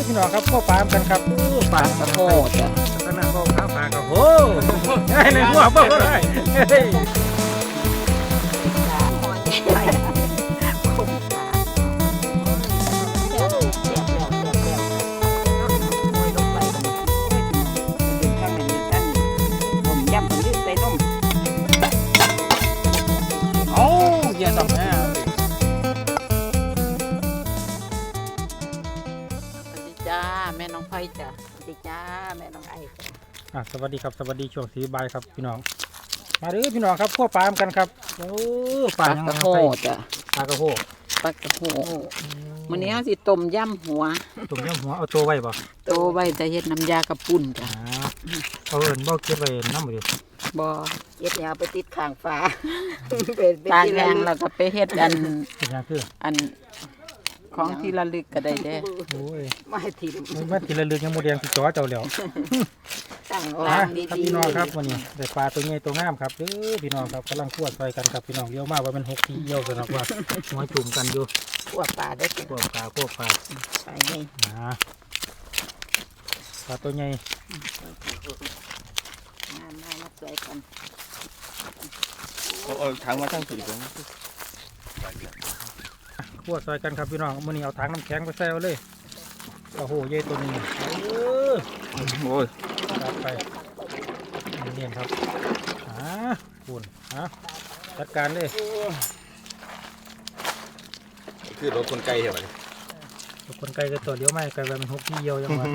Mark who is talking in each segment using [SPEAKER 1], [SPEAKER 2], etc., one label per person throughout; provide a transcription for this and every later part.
[SPEAKER 1] พี่น้องครับพ่อปลากันครับปลากระโหจ้ะขนาดพ่อข้าวปลากระโหในหัวเบิ่งได้
[SPEAKER 2] แม่น้องไฟจ้ะสวัสดีจ้าแม่น้องไอจ้ะ
[SPEAKER 1] สวัสดีครับสวัสดีช่วงสีบายครับพี่น้องมาเด้อพี่น้องครับพ่อปลากันครับโอ้
[SPEAKER 2] ปลากระโหจ้ะ
[SPEAKER 1] ปลากระโห
[SPEAKER 2] ปลากระโหมื้อนี้สิต้มยำหัว
[SPEAKER 1] ต้มยำหัวเอาตัวไว้บ่
[SPEAKER 2] ตัวไว้จะเฮ็ดน้ำยากระปุ่นจ้ะ
[SPEAKER 1] เอาเอิ้นบ่เก็บไว้น้ำบ่ดิ
[SPEAKER 2] บ่เฮ็ดแล้วไปติดข้างฟ้าตากแห้งแล้วก็ไปเฮ็ดอันของที่ระลึกก็ได้เด้
[SPEAKER 1] โอ้ย
[SPEAKER 2] ไม่ถิ่ม
[SPEAKER 1] มันที่ระลึกยังโมเดลที่จ่อเจ้าแล้ว
[SPEAKER 2] ตั้งร้านดี
[SPEAKER 1] ๆพี่น้องครับวันนี้ได้ปลาตัวใหญ่ตัวงามครับเด้อพี่น้องครับกำลังคั่วซอยกันครับพี่น้องเยอะมากว่ามัน6 ทีเยี่ยวกันนะว่าหัวจุ่มกันอยู่
[SPEAKER 2] คั่วปลาได้
[SPEAKER 1] คั่วปลา
[SPEAKER 2] ไปนี่
[SPEAKER 1] ปลาตัวใหญ่
[SPEAKER 2] มาสวยกัน
[SPEAKER 3] เอาถังมาตั้งสี่ตัว
[SPEAKER 1] คั่วซอยกันครับพี่น้องมื้อนี้เอาถังน้ำแข็งไปใส่เลยโอ้โหใหญ่ตัวนี้
[SPEAKER 3] โอ้ย
[SPEAKER 1] จัดไปนี่ครับคุณจัดการเลย
[SPEAKER 3] คือรถคนไกลเหรอ
[SPEAKER 1] รถคนไกลก็ตัวเลี้ยวไม่ไกลมัน6 ทีเยี่ยวยังไง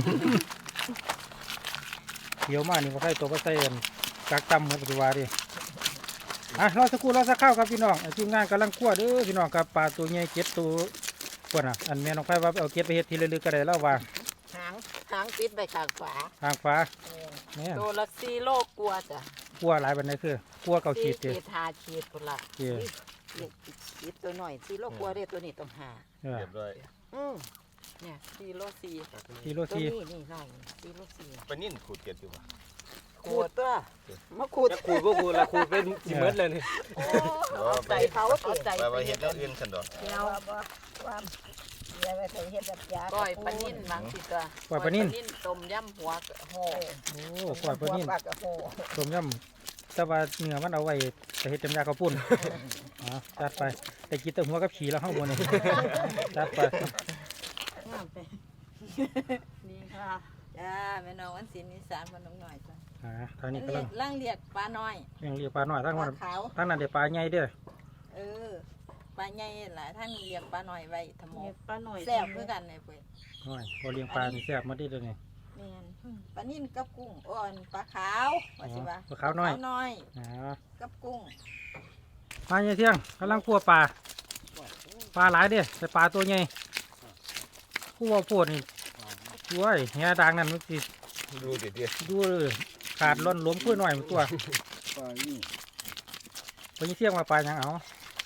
[SPEAKER 1] เลี้ยวมานี่ก็ใส่ตัวก็ใส่กักจำครับปัจจุบันดิรอสักครู่รอสักข้าวครับพี่น้องทีมงานกำลังคั่วเด้อพี่น้องกับปลาตัวใหญ่เก็ดตัวกว่าอันแม่น้องไฟว่าเอาเก็ดไปเฮ็ดทีละลึกก็ได้แล้วว่า
[SPEAKER 2] หางปิดไปข้างฝา
[SPEAKER 1] เนี่ย
[SPEAKER 2] ตัวละ4 โลกลัวจ้ะ
[SPEAKER 1] กลัวหลายบันไดคือกลัวเก่าขีด
[SPEAKER 2] ขีด5 ขีดพุ่นละขีดตัวหน่อย4 โลกลัวเด้ตัวนี้ต้อง5
[SPEAKER 3] เรียบร้อย
[SPEAKER 2] เนี่ย4 โล 4
[SPEAKER 1] นี่
[SPEAKER 2] หน่อย4 โล 4
[SPEAKER 3] ปนิ่นขูดเก็ดอยู่ป่ะ
[SPEAKER 2] ขูดตัวมาขูด
[SPEAKER 1] ก็ขูดละขูดเป็นสิเมิดเลยนี่
[SPEAKER 2] ใส่เขาเอาใจ
[SPEAKER 3] ไปเห็ดแล้วอื่นสันดอก
[SPEAKER 2] เอาความไปใส่เห็ดแบบยาก้อยปนิ่นบางสิตัว
[SPEAKER 1] ก้อยปนิ่น
[SPEAKER 2] ต้มยำหัวโห
[SPEAKER 1] ก้อยปนิ่นต้มยำแต่ว่าเนื้อมันเอาไว้ใส่เห็ดจำยาข้าวปุ้นจัดไปแต่กินแต่หัวกับฉี่แล้วข้างบนนี่จัดไป
[SPEAKER 2] นี่ค่ะจ้าแม่น้องวันศิลป์นิสานพนมหน่อยจ้ะ
[SPEAKER 1] ทางนี้ก็
[SPEAKER 2] ล่างเรียกปลาน้อย
[SPEAKER 1] เรียกปลาน้อยทั้งนั้นเดี๋ยวปลาใหญ่เด้อ
[SPEAKER 2] ปลาใหญ่หลายท่านเรียกปลาน้อยไว้ทำหมกปลาน้อยแซ่บเพื่อกันเลยเพื่อน
[SPEAKER 1] น้อยพอเลี้ยงปลาแซ่บมาได้เลย
[SPEAKER 2] นี่ปลานิ่นกับกุ้งอ่อนปลาขาวว่าสิว่า
[SPEAKER 1] ปลาขาวน้อย
[SPEAKER 2] กับกุ้ง
[SPEAKER 1] ปลาใหญ่เที่ยงกำลังคั่วปลาหลายเด้อแต่ปลาตัวใหญ่คู่ว่าโพดนี่ด้วยเฮียดังนั่นมันติด
[SPEAKER 3] ดูเดี๋ยว
[SPEAKER 1] ดูขาดล้นล้มขึ้นหน่อยมันตัวไปเที่ยงมาปลายังเอา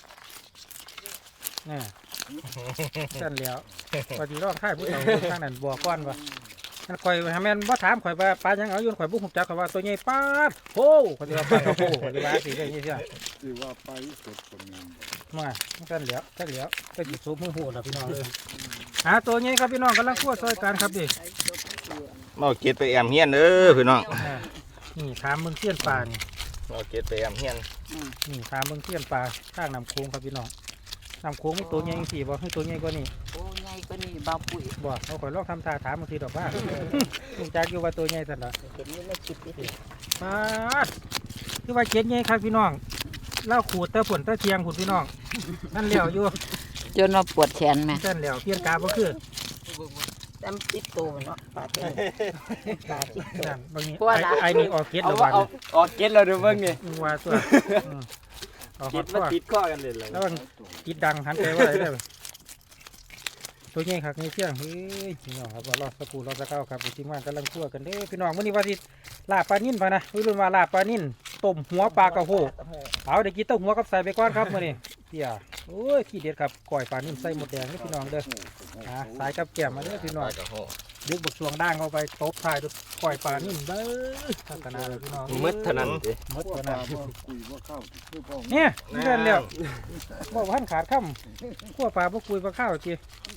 [SPEAKER 1] เนี่ยสั่นแล้วพอดีร้องไห้พูดเอาข้างนั้นบัวก้อนวะนั่นข่อยทำแม่นบ่ถามข่อยว่าปลายังเอาโยนข่อยบุกหุบจักข่อยว่าตัวใหญ่ปลาโอ้ข่อยว่าปลาโอ้ข่อยว่าสิได้ยังไง
[SPEAKER 4] สิว่าปลาสดก็มี
[SPEAKER 1] มาสั่นแล้วก็จิตสูบมือหัวแล้วพี่น้องเลยตัวใหญ่ครับพี่น้องกำลังคั่วซอยกันครับดิ
[SPEAKER 3] มาเก็ดไปแอมเฮียนพี่น้อง
[SPEAKER 1] นี่ถามมึงเสี้ยนปลานี่
[SPEAKER 3] มาเก็ดไปแอมเฮียน
[SPEAKER 1] นี่ถามมึงเสี้ยนปลาข้างน้ำโค้งครับพี่น้องน้ำโค้งตัวใหญ่สี่บ่ให้ตัวใหญ่กว่านี่
[SPEAKER 2] ตัวใหญ่กว่านี่เบาปุ๋ย
[SPEAKER 1] บ่เอาข่อยลองทำท่าถามบางทีดอกว่าลุงจักอยู่ว่าตัวใหญ่สันละ
[SPEAKER 2] เห็นนี่ไม่คิดดิ
[SPEAKER 1] มาคือว่าเจ็ดใหญ่ครับพี่น้องเล่าขูดแต่ผลแต่เทียงขูดพี่น้องนั่นเหลียวอยู่
[SPEAKER 2] จนเราปวดแขนไหม
[SPEAKER 1] นั่นเหลียวเพี้ยนกาบ่คือ
[SPEAKER 2] จำติดโตเนาะปลาเต้ปลาติดโต
[SPEAKER 1] บางนี้ไอ้นี่ออกเก็ตแล้ววัน
[SPEAKER 4] ออกเก็ตแล้วดูเบิ่งนี่
[SPEAKER 1] ว่าตัว
[SPEAKER 4] เก็ตมาติดข้อกันเลย
[SPEAKER 1] แล้วมันติดดังหันไปว่าอะไรได้ตัวใหญ่ครับนี่เที่ยงเฮ้ยพี่น้องครับรอสักครู่รอสักครู่ครับจริงๆว่ากำลังคั่วกันเด้พี่น้องวันนี้ว่าสิลาบปลานิ่นพะนะรุ่นว่าลาบปลานิ่นต้มหัวปลากระโหเอาเดี๋ยวกินต้มหัวกับใส่ไปก้อนครับมื้อนี้เตี้ยโอ้ยขี้เด็ดครับก้อยปลานิ่นใส่หมดแดงนี่พี่น้องเด้อสายกับแก้มมาเด้อพี่น้องดึกบกช่วงด่างเข้าไปตบท้ายด้วยก้อยปลานิ่นเด้อพัฒนาเลยพี่น้อง
[SPEAKER 3] มืดเท่านั้น
[SPEAKER 1] มืดเท่านั้นเนี่ยนี่เดินเร็วบอกว่าท่านขาดค่ำขั้วปลาพวกคุยปลาข้าวจี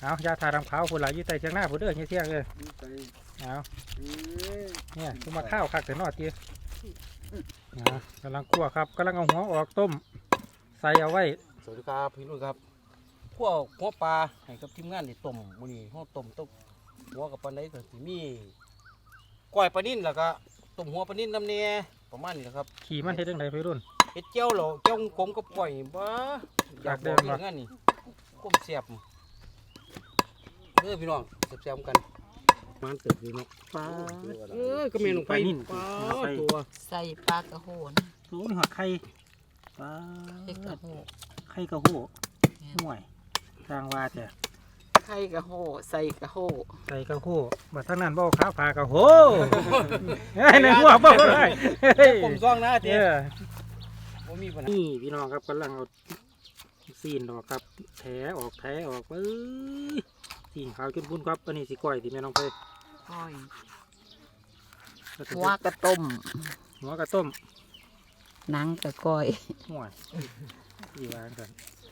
[SPEAKER 1] เอายาทาดำขาวผู้หลายอยู่ใต้เชียงหน้าผู้เด้อเที่ยงเลย
[SPEAKER 4] ไป
[SPEAKER 1] เอาเนี่ยคือมาข้าวคักแต่นอดตีนะกำลังคั่วครับกำลังเอาหัวออกต้มใส่เอาไว้
[SPEAKER 5] สวัสดีครับพี่นุ่นครับพวกหัวปลาให้กับทีมงานได้ต้มมื้อนี้เฮาต้มหัวกับปลาไหลก็สิมีก้อยปลานิ่นแล้วก็ต้มหัวปลานิ่นน้ำเนี่ยประมาณนี้แหละครับ
[SPEAKER 1] ขี่มันเฮ็ดจังไดพี่รุ่น
[SPEAKER 5] เฮ็ดเจียวเหรอเจียวกลมกับก้อยบ่อยากบอกอย่างนั้นนี่ก้มแซ่บเด้อพี่น้องแซ่บๆกันมันเติบอยู่เนาะปลาก็แม่นลงไปปลาตัว
[SPEAKER 2] ใส่ปลากระโหน
[SPEAKER 1] สูงหัวไข่ปลา
[SPEAKER 2] ใส่กระโห
[SPEAKER 1] ไข่กระโหห่วยทางว่าแต่
[SPEAKER 2] ไข่กระโหใส่กระโห
[SPEAKER 1] ใส่กระโหบัดทั้งนั้นบ่ข้าวปลากระโหเฮ้ยในหัวบ่ได้เฮ้ย
[SPEAKER 5] ผมซ่องนะเด้
[SPEAKER 1] เด้อ
[SPEAKER 5] บ่มีปัญหา
[SPEAKER 1] นี่พี่น้องครับกำลังเอาซีนออกครับแถออกเอ้ยซีนขาวจนพุ่นครับอันนี้สิก้อยที่แม่น้องไป
[SPEAKER 2] ก้อย
[SPEAKER 1] แล้วก็
[SPEAKER 2] หัวกระต้ม
[SPEAKER 1] หัวกระต้ม
[SPEAKER 2] หนังกระก้อย
[SPEAKER 1] ห่วยดีวางกัน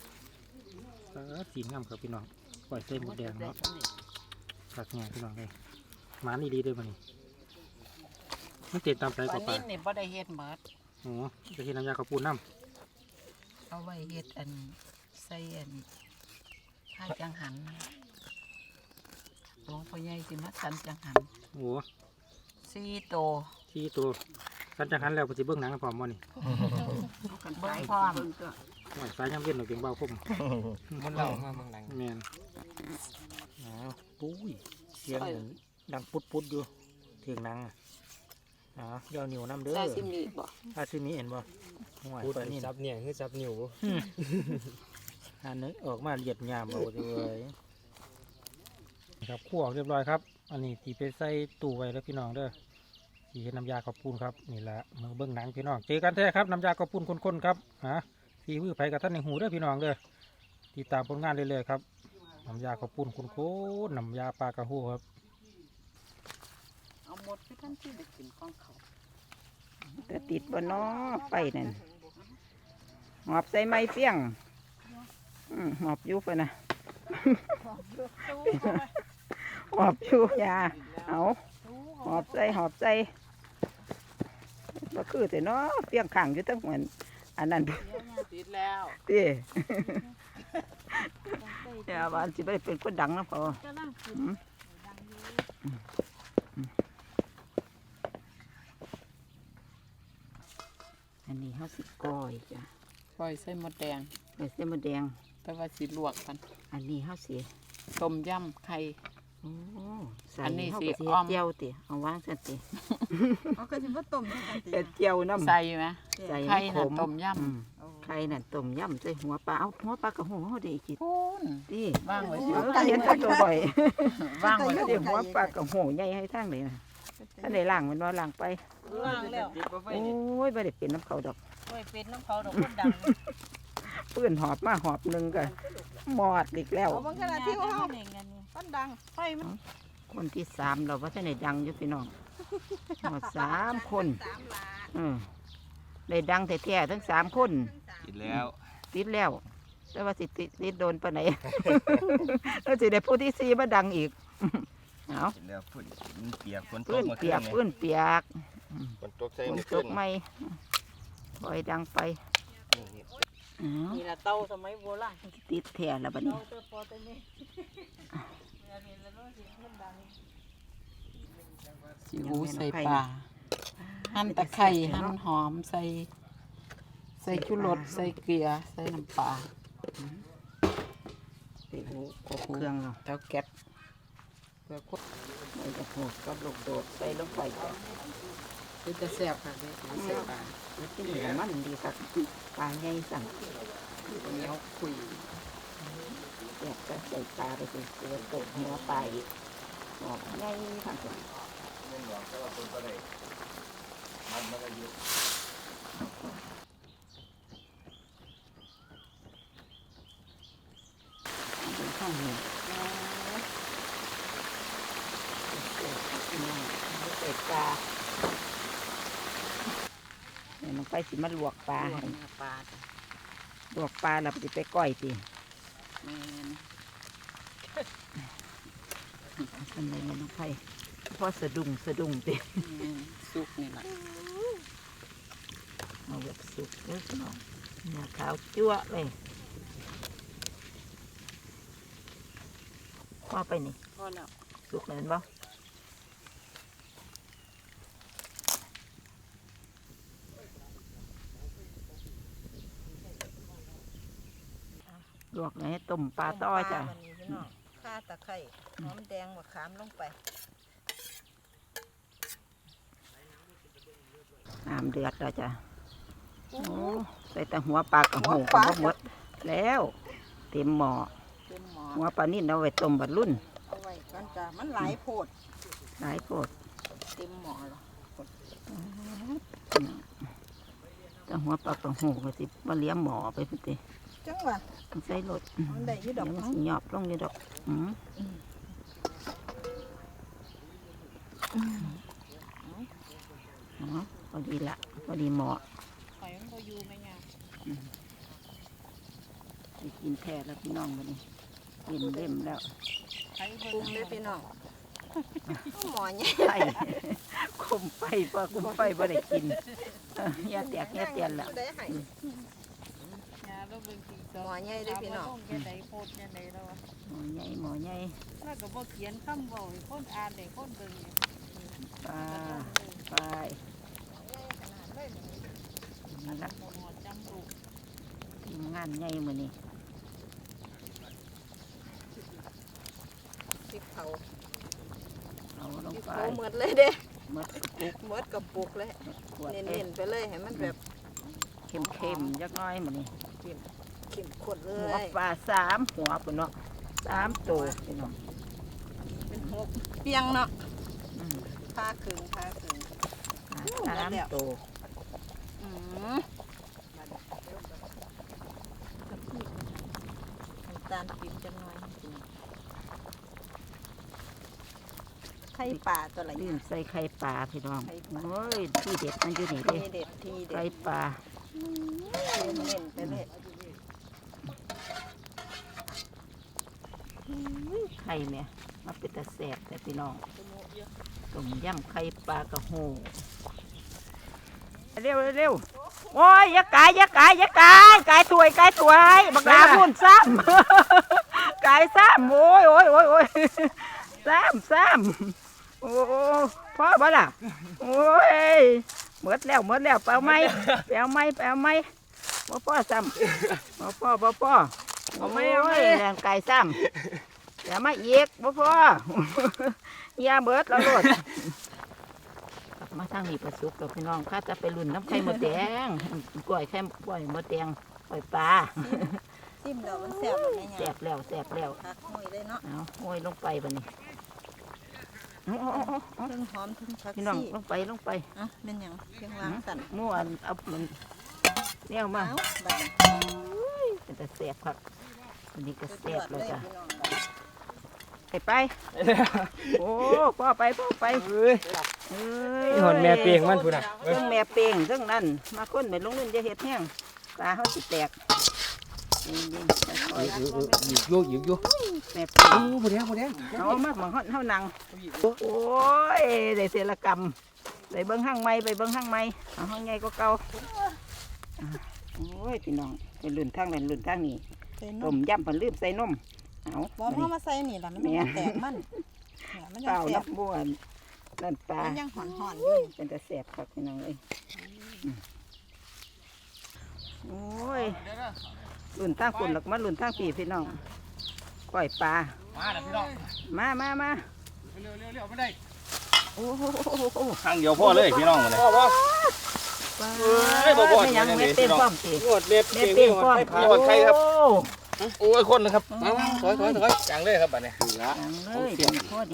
[SPEAKER 1] สีงามครับพี่น้องก้อยใส่หมดแดงเนาะผักแง่พี่น้องเลยหมานี่ดีด้วยมันนี่มันเต็มตามใจ
[SPEAKER 2] ป
[SPEAKER 1] ก
[SPEAKER 2] ลา
[SPEAKER 1] ว่าปลา
[SPEAKER 2] นิ่นนี่บ่ได้เฮ็ดหมด
[SPEAKER 1] โอ้จะเห็นน้ำยาข้าวปูน้
[SPEAKER 2] เอาไว้เฮ็ดอันใส่อันผ้าจังหันหลวงพ่อใหญ่สิมาสันจังหัน
[SPEAKER 1] ำโอ้
[SPEAKER 2] 4โต
[SPEAKER 1] ที่ตัวกันจังหันแล้วปฏิเบิ้งหนังพร้อมมันนี่
[SPEAKER 2] เบิ่งพร้อม
[SPEAKER 1] ห่วยสายยำเย็นหน่อยเพียงเบาคม
[SPEAKER 5] มันเล่ามาเมืองหนัง
[SPEAKER 1] แมนปุ้ยเสียงเหมือนดังปุดอยู่เถียงหนังยาวเหนียวน้ำเด้อ
[SPEAKER 2] ซาซิมิบ่
[SPEAKER 1] อาซิมิเห็นบ่ห่วย
[SPEAKER 5] พูด
[SPEAKER 1] ปลานี่
[SPEAKER 5] ซับเนี่ยคือซับนิ้ว
[SPEAKER 1] อันนึกออกมาเหยียดยามเอาเลยครับคั่วเรียบร้อยครับ อันนี้ตีไปใส่ตู้ไว้แล้วพี่น้องเด้อตีเห็นน้ำยาข้าวปุ้นครับนี่แหละมือเบิ้งหนังพี่น้องเจอกันแท้ครับน้ำยาข้าวปุ้นข้นๆครับฝีมือไผกับท่านในหูเด้อพี่น้องเด้อติดตามผลงานเรื่อยๆครับน้ำยาข้าวปุ้นข้นๆน้ำยาปลากระหูครับ
[SPEAKER 2] เอาหมดคือท่านที่ได้กินของเขา
[SPEAKER 6] ก็ติดบ่เนาะไฟนั่นหอบใส่ไม้เฟี้ยงหอบอยู่ปะนะหอบอยู่ยาเอาหอบใส่ก็คือแต่เนาะเฟี้ยงขังอยู่ตั้งเหมือนอันนั้น
[SPEAKER 2] ติดแล้ว
[SPEAKER 6] ตียาบ้านสิไปเป็นคนดังนะพออันนี้เขาสิก้อยจ้ะ
[SPEAKER 2] ก้อยใส่หมดแดง
[SPEAKER 6] ใส่เส้นมะแดง
[SPEAKER 2] แต่ว่าสิลวกกัน
[SPEAKER 6] อันนี้เขาสิ
[SPEAKER 2] ต้มยำไข่
[SPEAKER 6] โอ้ใส่
[SPEAKER 2] อันนี้
[SPEAKER 6] เขา
[SPEAKER 2] สิ
[SPEAKER 6] ก็สิ
[SPEAKER 2] อ้อม
[SPEAKER 6] เจียวติเอาวางสันติ
[SPEAKER 2] เอาก็สิบ่ต้มจังกันติ
[SPEAKER 6] เฮ็ดเจียวน้ำ
[SPEAKER 2] ใส่ไหม
[SPEAKER 6] ใส่
[SPEAKER 2] ไข่
[SPEAKER 6] ข
[SPEAKER 2] น่ะ
[SPEAKER 6] ม
[SPEAKER 2] ต้มย
[SPEAKER 6] อืมไข่น่ะต้มยำใส่หัวปลาเอาหัวปลากระหูเขาได้กิน
[SPEAKER 2] ำพูน
[SPEAKER 6] ดิ
[SPEAKER 2] ว่างไว้
[SPEAKER 6] เออเห็นตัวตัวบ่อย
[SPEAKER 2] ว่างไว้
[SPEAKER 6] เดี๋ยวหัวปลากระหูใหญ่ให้ทางเลยนะท่านได้ล้างมันว่าล้างไป
[SPEAKER 2] ว่างแล้ว
[SPEAKER 6] โอ้ยไม่ได้เป็นน้ำเขาดอก
[SPEAKER 2] ไว้เป็นน้ำเขาดอกคนดัง
[SPEAKER 6] ปื้นหอบมาหอบหนึ่งก็หมอดอีกแล้ว
[SPEAKER 2] เอาบางขณะที่เขาคนดังไฟมัน
[SPEAKER 6] คนที่สามเราว่าท่านได้ดังอยู่พี่น้องหมด3 คนได้ดังแท้ๆทั้ง3 คน
[SPEAKER 3] กินแล้ว
[SPEAKER 6] ติดแล้ว แต่ว่าสิติดโดนปานไหน แล้วสิได้ผู้ที่4มาดังอีก เอา
[SPEAKER 3] กินแล้วพุ่นเปียกฝนต
[SPEAKER 6] ปื้
[SPEAKER 3] ก
[SPEAKER 6] น
[SPEAKER 3] มา
[SPEAKER 6] เปียก
[SPEAKER 3] คื
[SPEAKER 6] ปื้นเปียก
[SPEAKER 3] ฝนตกใส่
[SPEAKER 6] ฝน
[SPEAKER 3] เมื่อ
[SPEAKER 6] ต
[SPEAKER 3] คืน
[SPEAKER 6] กไหมปล่อยดังไปอ้าว
[SPEAKER 2] นี่ละเตาสมัยโบราณ
[SPEAKER 6] ติดแท้แล้วบัดนี้
[SPEAKER 2] สิหูใส่ปลาหั่นตะไคร้หั่นหอมใส่ชูรสใส่เกลือใส่น้ำปลา
[SPEAKER 6] ใส่หูครบเครื่องเนาะ
[SPEAKER 2] เต้าแก๊บเพื่อคน
[SPEAKER 6] ใส่กระโปงกับลูกโดดใส่ลงไปจ้ะ
[SPEAKER 2] คือจะแซ่บค่ะนี่ใส่ปลา
[SPEAKER 6] มันกินเหลือมันดีครับปลาใหญ่สั่ง
[SPEAKER 2] เหนียวคุย
[SPEAKER 6] อยากจะใส่ปลาไปสิเสือตกหัวปลาอีกออกใหญ่ทั้งตัวเป็นข้างหนึ่งใส่ปลาเดี๋ยวลงไปสิมาลวกปลาให้
[SPEAKER 2] เนื้อปลาจ้ะ
[SPEAKER 6] ลวกปลาแล้วสิไปก้อยสิ
[SPEAKER 2] แม่น
[SPEAKER 6] ลเป็นไรเนี่ยน้องไผ่พอสะดุ้งติ
[SPEAKER 2] สุกนี่ล่ะ
[SPEAKER 6] เอาแบบสุกเด้อพี่น้องเนื้อขาวจั่วเลยว่าไปนี่
[SPEAKER 2] พอแล้ว
[SPEAKER 6] สุกเลยเห็นบ่ลวกเลยต้มปลาต้อจ้ะ
[SPEAKER 7] ข่าตะไคร้หอมแดงมะขามลงไป
[SPEAKER 6] น้ำเดือดแล้วจ้ะโอ้ใส่แต่หัวปลากระหูกับหมดแล้วเต็มหม้อ
[SPEAKER 2] เต็มหม้อ
[SPEAKER 6] หัวปลานิ่นเอาไว้ต้มบัดรุ่น
[SPEAKER 7] เอาไว้กันจ้ะมันหลายโพด
[SPEAKER 6] หลายโพด
[SPEAKER 7] เต็มหม้อแล้ว
[SPEAKER 6] แต่หัวปลากระหูก็สิมาเลี้ยงหม้อไปพุ่นติ
[SPEAKER 7] จังหวะ
[SPEAKER 6] ใส่รถ
[SPEAKER 7] มันได้อยู่ดอก
[SPEAKER 6] เดี๋ยวมันสิหยอบลงอยู่ดอกอ๋อพอดีละพอดีหม้อ
[SPEAKER 2] ข่อยมันบ่อยู่แม่ย่า
[SPEAKER 6] ไปกินแท้แล้วพี่น้องวันนี้กินเล่มแล้ว
[SPEAKER 2] ไข่
[SPEAKER 7] ปรุงเลยพี่น้องหมอเนี่ย
[SPEAKER 6] ไฟคมไฟพอคุมไฟบ่ได้กินอย่าแตกอย่าเตียนละ
[SPEAKER 7] ได้ให้
[SPEAKER 2] ย่าเราเบิ่งสิ
[SPEAKER 7] หมอใหญ่เด้อพี่น้อง
[SPEAKER 2] แค่ใดโพดแค่ใดแล้ววะ
[SPEAKER 6] หม้อใหญ่
[SPEAKER 2] แล้วก็บ่เขียนคำเว้าให้คนอ่านได้คนเบิ่งเนี่ย
[SPEAKER 6] ปลาไปนั่นละ
[SPEAKER 2] หมดจำลูก
[SPEAKER 6] ทีมงานใหญ่มื้อนี้
[SPEAKER 7] พริกเผา
[SPEAKER 6] เอาล
[SPEAKER 7] พ
[SPEAKER 6] ง
[SPEAKER 7] ริก
[SPEAKER 6] ไป
[SPEAKER 7] เผาหมดเลยเด้
[SPEAKER 6] หมดปุก
[SPEAKER 7] หมดกับปุกเลย
[SPEAKER 6] ขวด
[SPEAKER 7] เน้นๆไปเลยให้มันแบบ
[SPEAKER 6] เข้มๆจักหน้อยมื้อนี้
[SPEAKER 7] เข้มข้นเล
[SPEAKER 6] หัวย ปลา3หัวปุ่นเนาะ3ตัวพี่น้อง
[SPEAKER 7] เป็นหกเปียงเนาะ
[SPEAKER 6] อืม
[SPEAKER 7] ผ้าครึ่งผ้าครึ่ง
[SPEAKER 6] 3ตัว
[SPEAKER 7] อืมน้ำตาลปี๊บจังหน่อยไข่ป่าตัวละ
[SPEAKER 6] ลื
[SPEAKER 7] อย่าง
[SPEAKER 6] มใส่ไข่ปลาพี่น้อง
[SPEAKER 7] ไข่ปลา
[SPEAKER 6] โอ้ยที่เด็ดมันอยู่นี่
[SPEAKER 7] ที
[SPEAKER 6] เด้
[SPEAKER 7] เด็ดทีเด็
[SPEAKER 6] ไข่
[SPEAKER 7] ด
[SPEAKER 6] ปลา
[SPEAKER 7] เน้นๆไปเลย
[SPEAKER 6] ไข่แม่มาเป็นตะแสบแต่พี่น้องต้มยำไข่ปลากระโหเร็วเร็วโอ้ยอย่ากายกายถวยบักลาพุ่นซ้ำ กายซ้ำโอ้ยซ้ำโอ้พ่อบ่ล่ะโอ้ยหมดแล้วเปล่าไหมบ่พ่อซ้ำบ่พ่อโอ้ยแรงกายซ้ำอย่ามาอีกบ่พ่อ อย่าเบิดแล้วโลดกลับมาทางนี้ประสุกกับพี่น้องข้าจะไปลุ่นน้ำไข่มดแดงกล้วยมดแดงกล้วยปลา
[SPEAKER 7] จิ้มดอกมันแซ่บแบบนี้
[SPEAKER 6] แสบแล้ว
[SPEAKER 7] ผักหอยเลยเนาะ
[SPEAKER 6] เอาโอ้ยลงไปบัดนี้เอา
[SPEAKER 7] ทั้งหอมทั้งผัก
[SPEAKER 6] พี่น้อง
[SPEAKER 7] ชี
[SPEAKER 6] ลงไป
[SPEAKER 7] อ่ะเป็นหยังเพียงล้างสั่น
[SPEAKER 6] ม่วนเอามันเนี่ยมา
[SPEAKER 7] เอาบัดนี้
[SPEAKER 6] เป็นแต่แสบครับอันนี้ก็
[SPEAKER 7] สุด
[SPEAKER 6] แส
[SPEAKER 7] ย
[SPEAKER 6] บ
[SPEAKER 7] อด
[SPEAKER 6] เล
[SPEAKER 7] เลย ย
[SPEAKER 6] จ้ะ
[SPEAKER 7] พี่น้องบัดนี้
[SPEAKER 6] ไปโอ้พ่อไป
[SPEAKER 4] เฮ้ย
[SPEAKER 6] เอ้
[SPEAKER 4] นี่หอนแม่เปียงมันพูดน่ะ
[SPEAKER 6] เรื่องแม่เป่งเรื่องนั้นมาคนไปลงนู่นจะเห็ดแห้งปลาเขาสิแตกยิงค่อย
[SPEAKER 4] อยู่
[SPEAKER 6] ๆแม่เป่ง
[SPEAKER 4] บ่ได้
[SPEAKER 6] เอามาหมองเฮานังโอ้ยได้เสรกรรมไปเบิ้งห้างไม้เอาห้างไงก็เก่าโอ้ยพี่น้องเป็นรุ่นทางนั้นรุ่นทางนี้
[SPEAKER 7] ใส่น
[SPEAKER 6] ต้
[SPEAKER 7] ม
[SPEAKER 6] มยำผันลืมใส่นมเอา
[SPEAKER 7] บ่พอมาใส่นี่ล่ะมันยังแตกมันเนี่ยมัน
[SPEAKER 6] เป
[SPEAKER 7] ยัง
[SPEAKER 6] ล่า
[SPEAKER 7] แซ่
[SPEAKER 6] นั
[SPEAKER 7] บบ
[SPEAKER 6] บ้วนนั่นปลา
[SPEAKER 7] มันยังหอนๆอยู่
[SPEAKER 6] เป็นแต่แสบครับพี่น้องเอ้ยโอ้ยรุ่นทางคนหลักมารุ่นทางปีพี่น้องก้อยปลา
[SPEAKER 3] มาแล้วพี่น้อง
[SPEAKER 6] มา
[SPEAKER 3] เร็วไม่ได้
[SPEAKER 6] โอ้โห
[SPEAKER 3] ทางเดียวพ่อเลยพี่น้องเลย
[SPEAKER 6] ปลา
[SPEAKER 3] เอ้ยบ่บ่
[SPEAKER 6] ไม่ยัง
[SPEAKER 3] ยัง
[SPEAKER 6] เม็ด
[SPEAKER 3] ดี
[SPEAKER 6] เต็ม
[SPEAKER 3] พี่น้อง
[SPEAKER 6] พร้อมสิ
[SPEAKER 4] งวดเล็บ
[SPEAKER 6] เม็ดเต็มพร้อม
[SPEAKER 3] โอ้ยใครครับ
[SPEAKER 6] โอ้
[SPEAKER 3] โอ้ยคนนะครับมาถอยจังเลยครับบัดนี้
[SPEAKER 6] จังเลยเดี๋ยวพอดี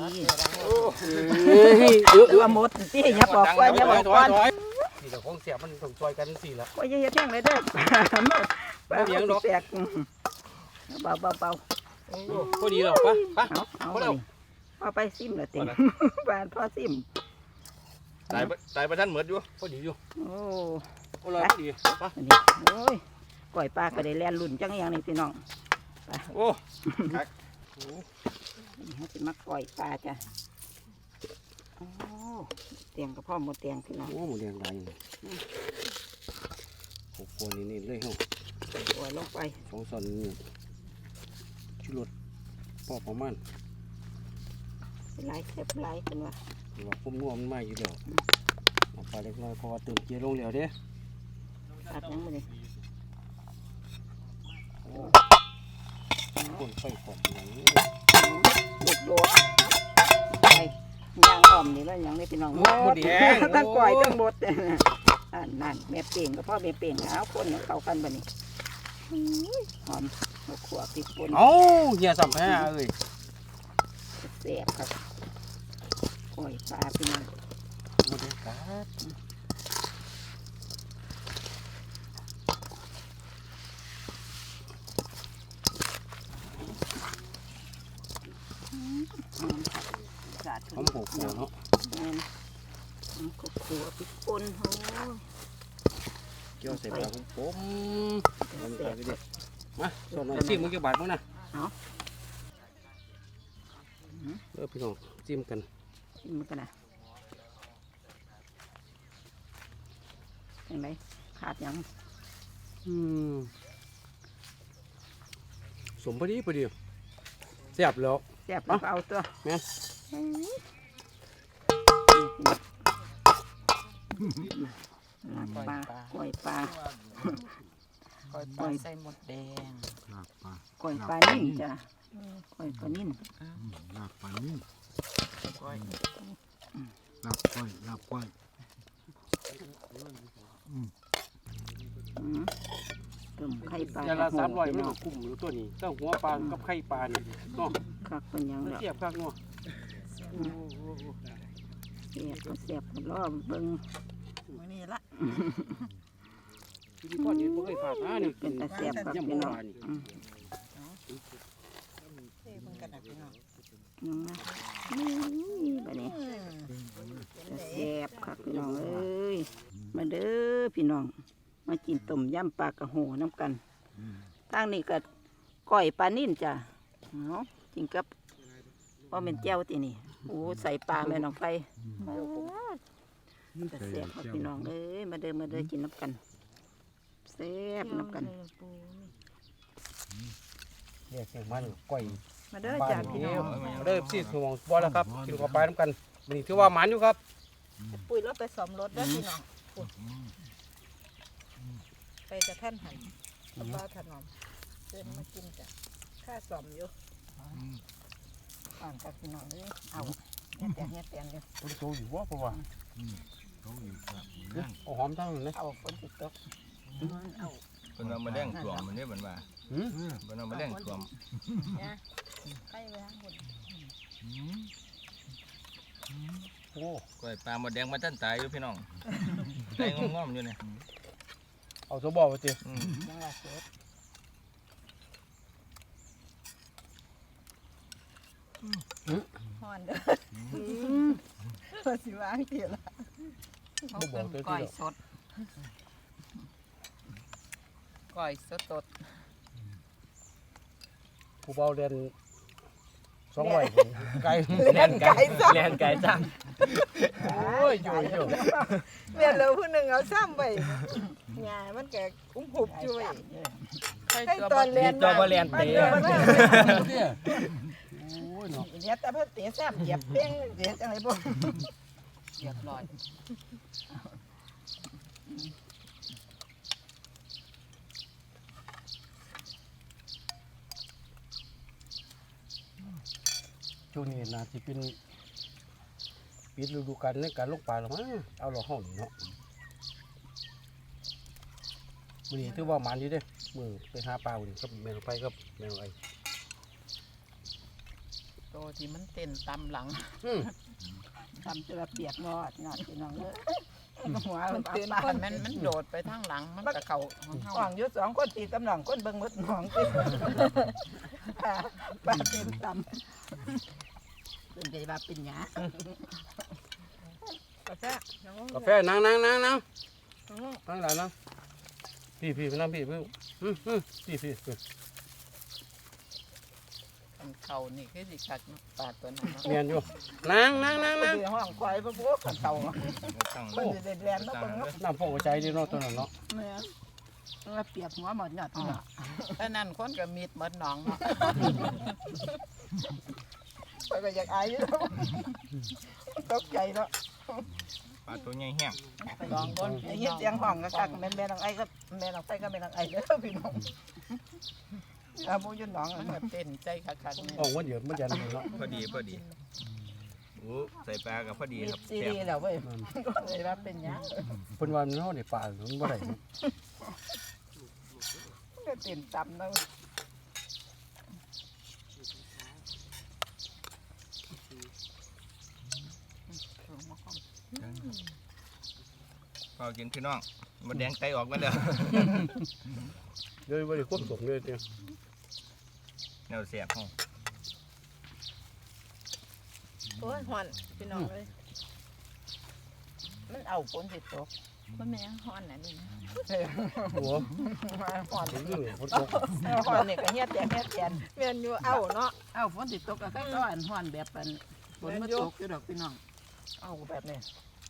[SPEAKER 4] เฮ้ย
[SPEAKER 6] ว่าหมดที่อย่าบอกว่าอย่าบอกก่อน
[SPEAKER 4] นี่เราคงเสียมันต้องซอยกันสิละ
[SPEAKER 6] ว่าอย่าเฮ็ดแห้งเลยเด้อปลา
[SPEAKER 4] บ่เลี้ยงดอก
[SPEAKER 6] แตกเบา
[SPEAKER 4] พอดีหรอกปะปะ
[SPEAKER 6] เอาไปพอไปซิมละติบ้านพ่อซิม
[SPEAKER 3] ตายประทันเหมือนอยู่
[SPEAKER 4] พอดีอยู่
[SPEAKER 6] โอ้
[SPEAKER 4] โอ้ยพอดีปะ
[SPEAKER 6] อันนี้โอ้ยก่อยปลาก็ได้แล่นลุ่นจังอย่างนี้พี่น้อง
[SPEAKER 3] โอ้
[SPEAKER 6] เขาจะมาปล่อยปลาจ้ะโอ้เตียงกับพ่อหมดเตียงพี่น้อง
[SPEAKER 5] โอ้หมูแดงหลายหกคนนี่เลยเฮ้ย
[SPEAKER 6] ปล่อยลงไป
[SPEAKER 5] สองซอนนี่ชุรสพอประมาณ
[SPEAKER 6] หลายเจ็บหลายเป็นว่า
[SPEAKER 5] ว่าคุ้มนัวมันมาอยู่แล้วเอาปลาเล็กน้อยเพราะว่าเติมเกียร์ลงแล้วเด้
[SPEAKER 6] ตัดยังไม่ได้
[SPEAKER 5] คนไฟขอดอย่างนี้
[SPEAKER 6] โดดไปย่างอ่อมนี่แล้วยังได้พี่น้อง
[SPEAKER 5] หมูแดง
[SPEAKER 6] ตั้งก่อยตั้งบดนั่นแม่เป่งกับพ่อแม่เป่งเอาคนเข้ากันบ่นี่หอมมะขวบติดปน
[SPEAKER 5] เอ้าเหี้ยสัมแพ้เอ้ย
[SPEAKER 6] แซ่บครับก่อยปลาพี่น้อง
[SPEAKER 5] หมูแดงกัด
[SPEAKER 6] หอมครับสาด
[SPEAKER 5] หอมหกหัวเนาะ
[SPEAKER 6] ขวบขวบติดปนโอ้
[SPEAKER 5] เกี่ยวใส่ปลาผมมันไปดิมาส่วนหน่อยซิมมึงจะบาดมั้งนะพี่น้องจิ้มกัน
[SPEAKER 6] กินมันกันนะเห็นไหมขาดยัง
[SPEAKER 5] สมพอดีเสียบแล้ว
[SPEAKER 6] แซ่บแล้วก็เอาตัว
[SPEAKER 5] แม่น
[SPEAKER 6] ปลาก่อยปลา
[SPEAKER 2] ก้อยปลาใส่หมดแดง
[SPEAKER 6] ก่อยปลานิ่มจ้ะก่อยปลานิ่ม
[SPEAKER 1] ลาบปลานิ่ม
[SPEAKER 2] ก้อย
[SPEAKER 1] ลาบก้อยลาบก้อย
[SPEAKER 6] ตุ่มไข่ปลา
[SPEAKER 5] อย่างละ300มันก็คุ้มอยู่ตัวนี้เจ้าหัวปลากับไข่ปลานี่เนาะ
[SPEAKER 6] คักเป็นยังแล้ว
[SPEAKER 5] เสียบคักเนาะ
[SPEAKER 6] เสียบก็เสียบก็รอเบิ่ง
[SPEAKER 7] มื้อนี้ละ
[SPEAKER 5] ที่พ่อนี่บ่เคยผ่านนะนี่
[SPEAKER 6] เป็นตาเสียบครับ
[SPEAKER 5] ยำ
[SPEAKER 6] พี่
[SPEAKER 5] โบ
[SPEAKER 6] น้อง
[SPEAKER 5] ราณนี่
[SPEAKER 7] เท่เพิ่นกันนะพี่น้อง
[SPEAKER 6] นี่บัดนี้ตาเสียบครับพี่น้องเอ้ยมาเด้อพี่น้องมากินต้มยำปลากระโหน้ำกันทางนี้ก็ก้อยปลานิ่มจ้ะเอาจริงกับว่าเป็นแจ้วตีนี่โอ้ใส่ปลาแม่น้องไฟตาเสียบครับพี่น้องเอ้ยมาเด้อกินน้ำกันเสียบน้ำกัน
[SPEAKER 5] เนี่ยเสียงมันก้อย
[SPEAKER 7] มาเด้อ
[SPEAKER 5] บ้า
[SPEAKER 7] จ้าน พี่
[SPEAKER 5] นี้
[SPEAKER 7] น้อง
[SPEAKER 5] เด้อสิสมองบ่แล้วครับกินข้าวปลาน้ำกันนี่ถือว่าหมันอยู่ครับ
[SPEAKER 7] ปุ๋ยรถไปซ่อมรถเด้อพี่น้องปุ๋ยไปกับท่านหันกับป้าถนอมเดินมากินจ้ะค่าซ่อมอยู่
[SPEAKER 6] อ่านกับพี่น้องเลยเอาเฮ็ดแต่งเลย
[SPEAKER 5] ตัวโตอยู่ว่าเพราะว่าเอาหอมทั้งนั้นนะ
[SPEAKER 6] เอาฝนติดตกเอา
[SPEAKER 3] เพิ่นเอามาแดงสวมมันนี่เหมือนว่าเพิ่นเอามาแดงสวม
[SPEAKER 7] ไปไปทางบน
[SPEAKER 5] โอ้
[SPEAKER 3] ก้อยปลาหมดแดงมาตั้นตายอยู่พี่น้องใจงอมๆอยู่เนี่ย
[SPEAKER 5] เอาสบอไปสิ
[SPEAKER 6] ยังว่าเสีย
[SPEAKER 7] ฮ้อนเด้อว่าสิวางเตียละ
[SPEAKER 2] เขาเป็นก้อยสดก้อยสด
[SPEAKER 5] ผู้เบาเรียน200ไก่
[SPEAKER 7] เล่นไก่ซ้ำ
[SPEAKER 4] แลนไก่จ้าง
[SPEAKER 5] โอ้ยอยู่
[SPEAKER 7] เมียเราผู้หนึ่งเอาซ้ำไปงามันแกอุ้มหุบจุ้ย
[SPEAKER 2] ๆไข่
[SPEAKER 7] ให้
[SPEAKER 2] เกลือ
[SPEAKER 7] ตอนเรียน
[SPEAKER 4] จอบ่แลนเตะ
[SPEAKER 7] เนี่ยแต่เพิ่นเตะซ้ำเหยียบเป้งเตะจังไรบ่
[SPEAKER 2] เรียบร้อย
[SPEAKER 5] ช่วงนี้น่าจะเป็นปิดฤดูกาลในการลงปลาแล้วมั้งเอาเราห้องนี่เนาะมื้อนี้ถือว่าหมันอยู่เด้มื้อไปหาปลามื้อนี้กับแม่นไปกับแม่นไอ้
[SPEAKER 2] โตที่มันเต้นตามหลัง
[SPEAKER 6] ทำจะเปียกงอดพี่น้องเลยหัว
[SPEAKER 2] มัน
[SPEAKER 6] มัน
[SPEAKER 2] ตื่
[SPEAKER 6] ตื่
[SPEAKER 2] น
[SPEAKER 6] น
[SPEAKER 2] มันโดดไปทางหลังมันกะเข่าของเขา
[SPEAKER 6] ห่องอยู่2คนตีตำหนองคนเบิ่งมดหนองตีปลาเต็มตำเป็นใจว่าเป็นหยาก
[SPEAKER 7] าแฟน้อง
[SPEAKER 5] กาแฟนั่งหลานนั่งพี่ไปนั่งพี่พี่
[SPEAKER 2] นเขานี่คือสิคักเนาะปลาตัวนั้นเนาะ
[SPEAKER 5] เมียนอยู่นั่ง
[SPEAKER 6] สิห้องควายบ่บ่กันเต่า
[SPEAKER 3] ตั้ง
[SPEAKER 6] มันสิได้แล่นมา
[SPEAKER 3] ตั้ง
[SPEAKER 6] เบิ่ง
[SPEAKER 3] เลย
[SPEAKER 5] น้ำพกใจดีเนาะตัวนั้นเนาะ
[SPEAKER 6] แม่ว่าเปียกหัวหมดยอดเนาะ
[SPEAKER 2] อันนั้นคนก็มีดหมดหนองเนาะ
[SPEAKER 6] ไปก็อยากอายอยู่ตกใจเนาะ
[SPEAKER 3] ปลาตัวใหญ่แห้ง
[SPEAKER 2] ลองบน
[SPEAKER 6] ได้ยินเสียงห้องก็คักแม่นางไอ้ก็แม่นางไฟก็แม่นางไอ้เด้อพี่น้องอาบ่อยู่หนอง
[SPEAKER 2] มันก็เต้นใจคักๆนี่
[SPEAKER 5] ออกมันเยอะมันยันเนาะ
[SPEAKER 3] พอดีโอ้ใส่ปลากับพอดี
[SPEAKER 6] มี
[SPEAKER 3] ครับ
[SPEAKER 6] ซี
[SPEAKER 3] แซ่บ
[SPEAKER 6] รีส์แล้วเว้ยก็เลยว่าเป็นหยัง
[SPEAKER 5] เพิ่นว่ามันเฮาได้ปลามันบ่ได้
[SPEAKER 6] ก็ตื่นตำเนาะ
[SPEAKER 3] พอกินพี่น้องมันแดงไตออกมาเด้อ
[SPEAKER 5] เลยบ่ได้ควบสมเลยเด้อ
[SPEAKER 3] แนวแซ่บห้อง
[SPEAKER 7] โอ้ยหอนพี่น้องเลย
[SPEAKER 6] มันเอาฝนสิตก
[SPEAKER 7] มันเป็นยังหอนน่ะนี่นะ
[SPEAKER 5] หัว
[SPEAKER 6] มาหอน
[SPEAKER 5] ถึงนี่ฝนตก
[SPEAKER 6] หอนนี่ก็เฮ็ดแต่เฮ็ดแทน
[SPEAKER 7] แม่นอยู่เอาเนาะ
[SPEAKER 2] เอ้าฝนสิตกก็ก็อันฮ้อนแบบอันฝนมาตกอยู่ดอกพี่น้อง
[SPEAKER 6] เอาแบบนี้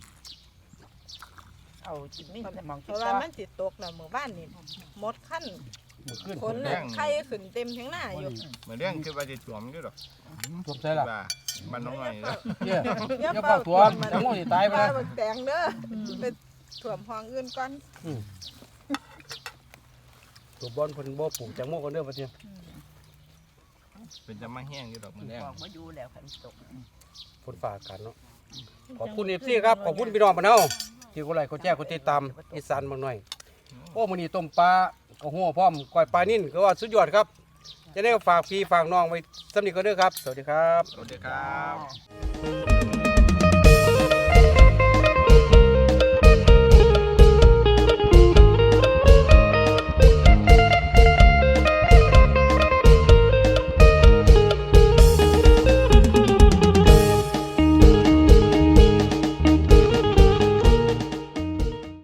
[SPEAKER 6] เอาจิตนี่แต่มอง
[SPEAKER 7] เพ
[SPEAKER 6] คิด
[SPEAKER 7] ราะว่า
[SPEAKER 6] ว่า
[SPEAKER 7] มันสิตกแล้วมื้อบ้านนี่หมดขั้น
[SPEAKER 5] มื้อคืน
[SPEAKER 7] ฝนน่ะไข่ขึ้นเต็มทั้งหน้าอยู่
[SPEAKER 3] เหมือนเรื่องคือว่าจะถ่วมอยู่ดอก
[SPEAKER 5] ท่วมใส่ล่ะ
[SPEAKER 3] ว่ามันน้องหน่อยนะ
[SPEAKER 5] เด้ออย่าเฝ้าท่วมจังโง่สิตายไป
[SPEAKER 7] ปลา
[SPEAKER 5] นะ
[SPEAKER 7] บักแตงเด้อไปถ่วมห้องอื่นก่อน
[SPEAKER 5] ตัวบอลเพิ่นบ่ปลูกจังโง่กันเด้อบัดนี้
[SPEAKER 3] เป็นจะมาแห้งอยู่ดอกเหมือนแรง
[SPEAKER 6] บอกมาอยู่แล้วคันตก
[SPEAKER 5] ฝนฟ้าอากาศเนาะขอบคุณ FC ครับขอบคุณพี่น้องบ้านเฮาที่กดไลค์กดแชร์กดติดตามอีสานบางหน่อยโอ้มื้อนี้ต้มปลากระหัวพร้อมก้อยปลานิ่นก็ว่าสุดยอดครับจะได้ฝากพี่ฝากน้องไว้สำนึกกันเด้อครับสวัสดีครับ
[SPEAKER 3] สวัสดีครับ
[SPEAKER 6] บ